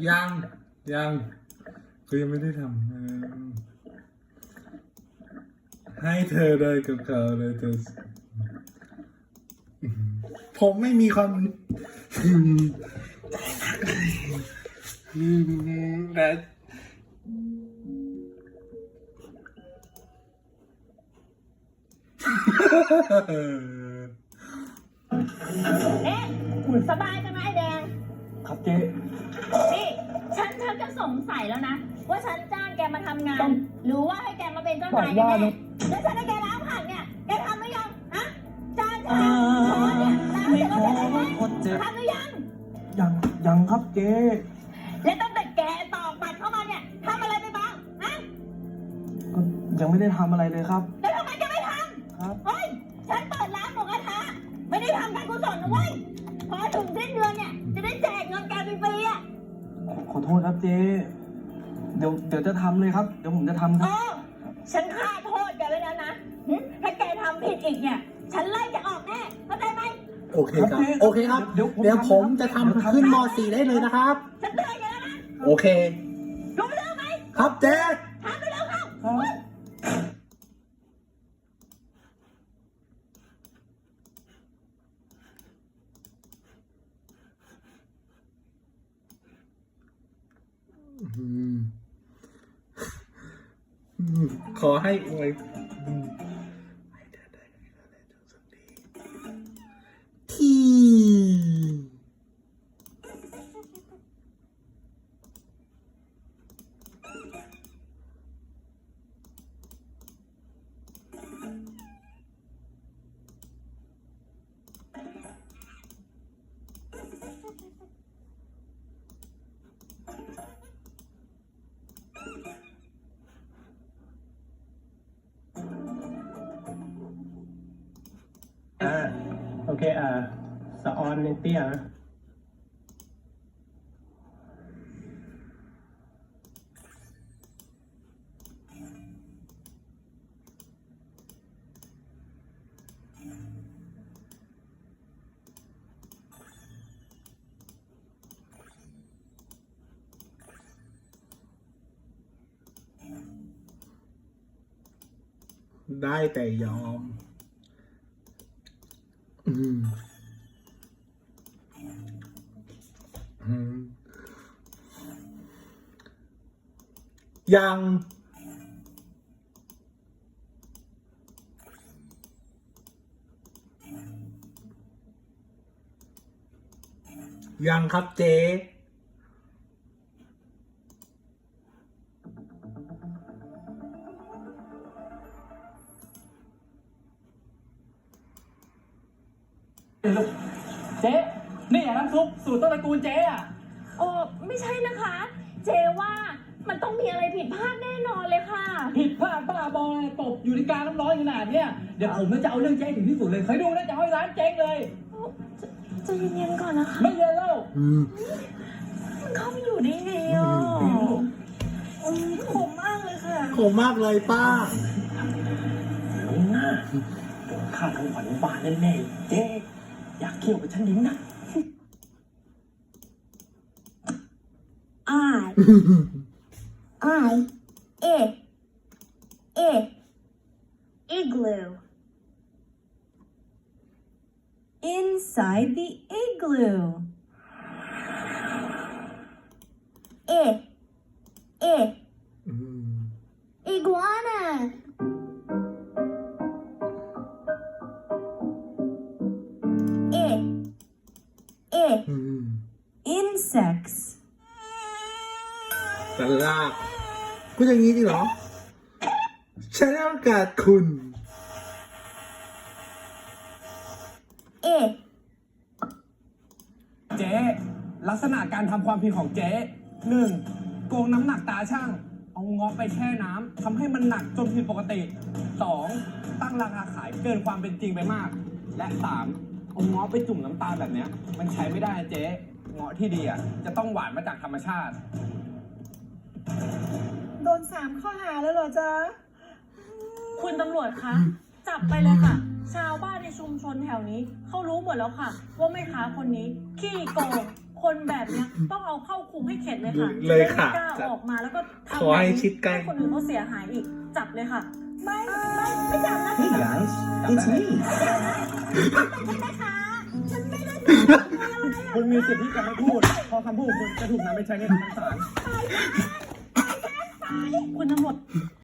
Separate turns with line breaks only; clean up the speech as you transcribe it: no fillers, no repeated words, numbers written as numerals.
ยังคือยังไม่ได้ทำให้เธอเลยกับเขาเลยเธอผมไม่มีความแต่
เอ๊ะสบายจังไหมไอ้แดง
ครับเจ๊
นี่ฉันจะสงสัยแล้วนะว่าฉันจ้างแกมาทำงาน หรือว่าให้แกมาเป็นเจ้านายแน่แล้วฉันให้แกล้างผักเนี่ยแกทำหรือยังฮะจานชามช้อนเนี่ยล้างเสร็จแล้วแกทำไหมทำหรือยัง
ยังครับเจ๊
และตั้งแต่แกตอกบัตรเข้ามาเนี่ยทำอะไรไปบ้างฮะ
ก็ยังไม่ได้ทำอะไรเลยครับ
แล้วทำไมแกไม่ทำ
ครับ
เฮ้ยฉันเปิดร้านหมูกระทะไม่ได้ทำการกุศลนะเว้ยพอถึงสิ้นเดือนเนี่ยจะได้แจกเงินแกฟรีๆอ่ะ
ขอโทษครับเจ๊เดี๋ยวจะทำเลยครับเดี๋ยวผมจะทำครับ
ฉันฆ่าโทษแกไว้แล้วนะถ้าแกทำผิดอีกเนี่ยฉันไล่แกออกแน่เข้าใจไหม
โอเคครับโอเคครับเดี๋ยวผมจะทำขึ้นม.4 ได้เลยนะครับ
ฉันเตือนแกแล้วนะ
โอเค
รู้เรื่องไหม
ครับเจ๊
ทำไปแล้วครับ
ขอให้อวยที่
โอเคสะออนเตี้ย
ได้แต่ยอมยังครับเจ๊
เจ๊นี่น้ำซุปสูตรต้นตระกูลเจ๊อ่ะ
โอ้ไม่ใช่นะคะเจว่ามันต้องมีอะไรผิดพลาดแน่นอนเลยค่ะ
ผิดพลาดบ้าบอตบอยู่ในกาน้ำร้อนขนาดเนี้ยเดี๋ยวผมจะเอาเรื่องเจ๊ถึงที่สุดเลยเคยดูนะจะให้ร้านเจ๊งเลย
จะเย็นๆก่อนนะคะ
ไม่เย็นแล้ว
มันเข้าไปอยู่ได้ไงอ่ะขมมากเลยค่ะ
ขมมากเลยป้า
ข้าทั้งขวัญบานแน่ๆเจ๊อยากเคี่ยวกับฉันดิ้งนะ
igloo inside the igloo iguana insects
สลากพูดอย่างนี้จริงเหรอฉันให้โอกาสคุณ
เจ๊ลักษณะการทำความผิดของเจ๊1โกงน้ำหนักตาช่างเอาเงาะไปแช่น้ำทำให้มันหนักจนผิดปกติ2ตั้งราคาขายเกินความเป็นจริงไปมากและ3เอาเงาะไปจุ่มน้ำตาลแบบเนี้ยมันใช้ไม่ได้เจ๊เงาะที่ดีอ่ะจะต้องหวานมาจากธรรมชาติ
โดน3 ข้อหาแล้วเหรอจ๊ะ
คุณตำรวจคะจับไปเลยค่ะชาวบ้านในชุมชนแถวนี้เขารู้หมดแล้วค่ะว่าแม่ค้าคนนี้ขี้โกง
คนแบบเนี้ยต้องเอาเข้าคุกให้เข็ดเลยค่ะ
เลยค่ะ
จได้ไม่กล้าออกมาแล้วก็ทำ
ขอให้ชิดใกล้
ให้คนอื่นเขาเสียหายอีก จับเลยค่ะ
ไม่จับนะ
Hey guys, it's me.
คุณมีสิทธิ์ที่จะไม่พูดเพอคำพูดคุณจะถูกนำไปใช้ในทางศาล
คุณทั้งหมด